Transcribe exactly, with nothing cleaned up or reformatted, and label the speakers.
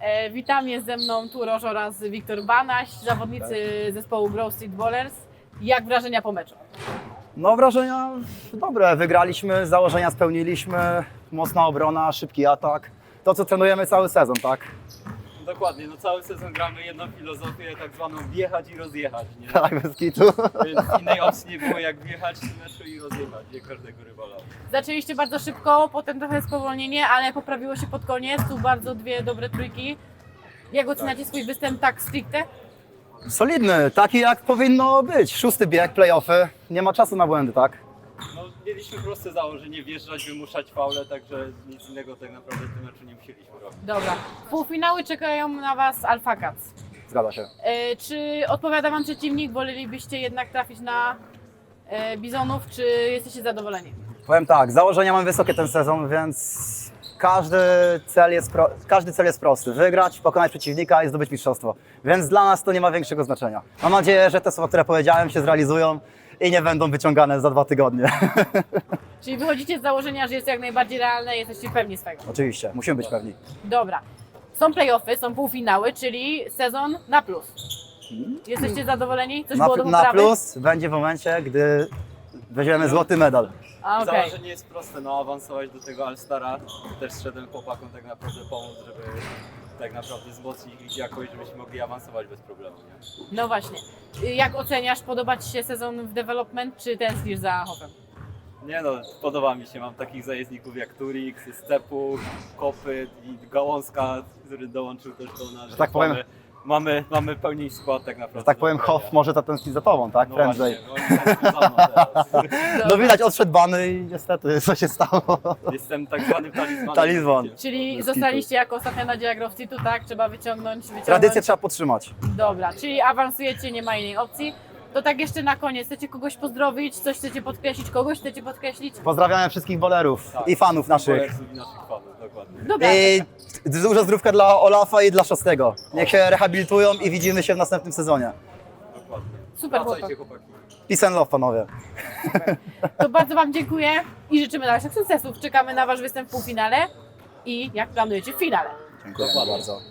Speaker 1: E, witam, jest ze mną Turoż oraz Wiktor Banaś, zawodnicy zespołu Grove Street Ballers. Jak wrażenia po meczu?
Speaker 2: No wrażenia dobre, wygraliśmy, założenia spełniliśmy, mocna obrona, szybki atak. To co trenujemy cały sezon, tak?
Speaker 3: Dokładnie, no cały sezon gramy jedną filozofię, tak zwaną wjechać i rozjechać, nie?
Speaker 2: Tak, bez kitu.
Speaker 3: Więc innej opcji nie było jak wjechać w meczu i rozjechać nie każdego rywala.
Speaker 1: Zaczęliście bardzo szybko, potem trochę spowolnienie, ale poprawiło się pod koniec. Tu bardzo dwie dobre trójki. Jak oceniacie swój występ tak stricte?
Speaker 2: Solidny, taki jak powinno być. Szósty bieg, playoffy, nie ma czasu na błędy, tak?
Speaker 3: No mieliśmy proste założenie, wjeżdżać, wymuszać faule, także nic innego tak naprawdę w tym meczu nie musieliśmy robić.
Speaker 1: Dobra. Półfinały czekają na Was Alpha Cats.
Speaker 2: Zgadza się.
Speaker 1: E, czy odpowiada Wam przeciwnik? Wolelibyście jednak trafić na e, Bizonów, czy jesteście zadowoleni?
Speaker 2: Powiem tak, założenia mam wysokie ten sezon, więc każdy cel jest, pro, każdy cel jest prosty. Wygrać, pokonać przeciwnika i zdobyć mistrzostwo. Więc dla nas to nie ma większego znaczenia. Mam nadzieję, że te słowa, które powiedziałem, się zrealizują i nie będą wyciągane za dwa tygodnie.
Speaker 1: Czyli wychodzicie z założenia, że jest jak najbardziej realne i jesteście pewni swego.
Speaker 2: Oczywiście, musimy być pewni.
Speaker 1: Dobra. Są playoffy, są półfinały, czyli sezon na plus. Jesteście zadowoleni? Coś
Speaker 2: Na,
Speaker 1: było do
Speaker 2: na
Speaker 1: poprawy?
Speaker 2: plus będzie w momencie, gdy weźmiemy złoty medal.
Speaker 1: A, okej.
Speaker 3: Założenie jest proste, no awansować do tego All-Stara. Też szedłem chłopakom tak naprawdę pomóc, żeby tak naprawdę wzmocnić ich jakość, żebyśmy mogli awansować bez problemu, nie?
Speaker 1: No właśnie. Jak oceniasz, podoba Ci się sezon w development, czy tęsknisz za Hopem?
Speaker 3: Nie no, podoba mi się, mam takich zajezdników jak Turix, Stepu, Kopyt i Gałązka, który dołączył też do nas.
Speaker 2: Że tak powiem-
Speaker 3: Mamy, mamy, mamy pełni skład tak naprawdę.
Speaker 2: Że tak
Speaker 3: do
Speaker 2: powiem,
Speaker 3: grania.
Speaker 2: Hoff może zatęsknić za tobą, tak?
Speaker 3: No
Speaker 2: Prędzej.
Speaker 3: właśnie, no oni tęsknią za mną teraz.
Speaker 2: No widać, odszedł bany i niestety, co się stało?
Speaker 3: Jestem tak zwanym talizmanem.
Speaker 2: Talizman.
Speaker 1: Czyli
Speaker 2: Bez
Speaker 1: zostaliście jako ostatnia nadzieja Grove Streetu, tak? Trzeba wyciągnąć, wyciągnąć.
Speaker 2: Tradycję trzeba podtrzymać.
Speaker 1: Dobra, czyli awansujecie, nie ma innej opcji. To tak jeszcze na koniec, chcecie kogoś pozdrowić, coś chcecie podkreślić, kogoś chcecie podkreślić?
Speaker 2: Pozdrawiamy wszystkich bolerów
Speaker 3: Tak,
Speaker 2: i fanów naszych.
Speaker 3: Bolersów i naszych fanów, dokładnie.
Speaker 1: Dobra,
Speaker 2: I dużo zdrówka dla Olafa i dla Szostego. Niech się rehabilitują i widzimy się w następnym sezonie.
Speaker 3: Dokładnie.
Speaker 1: super chłopak.
Speaker 3: Wracajcie, chłopaki.
Speaker 2: Peace and love, panowie.
Speaker 1: To bardzo Wam dziękuję i życzymy dalszych sukcesów. Czekamy na Wasz występ w półfinale i jak planujecie w finale.
Speaker 2: Dziękuję
Speaker 3: Dokładnie.
Speaker 2: bardzo.